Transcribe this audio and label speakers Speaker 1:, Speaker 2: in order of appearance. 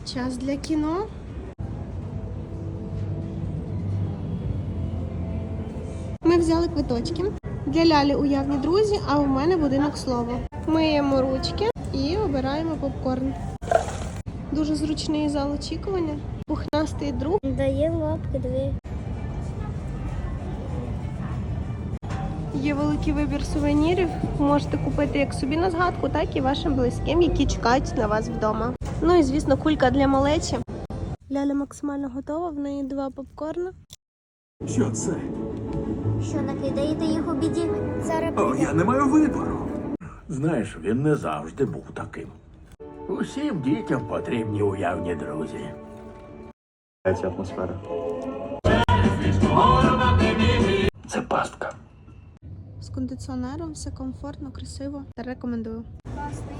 Speaker 1: Час для кіно. Ми взяли квиточки. Для Лялі уявні друзі, а у мене будинок слова. Миємо ручки і обираємо попкорн. Дуже зручний зал очікування. Пухнастий друг.
Speaker 2: Дає лапки дві.
Speaker 1: Є великий вибір сувенірів. Можете купити як собі на згадку, так і вашим близьким, які чекають на вас вдома. Ну і, звісно, кулька для малечі. Ляля максимально готова, в неї 2 попкорна.
Speaker 3: Що це?
Speaker 2: Що накидаєте їх у біді? Зараз
Speaker 3: О, я не маю вибору. Знаєш, він не завжди був таким. Усім дітям потрібні уявні друзі.
Speaker 4: Ця атмосфера.
Speaker 3: Це пастка.
Speaker 1: З кондиціонером, все комфортно, красиво. Рекомендую.
Speaker 2: класний.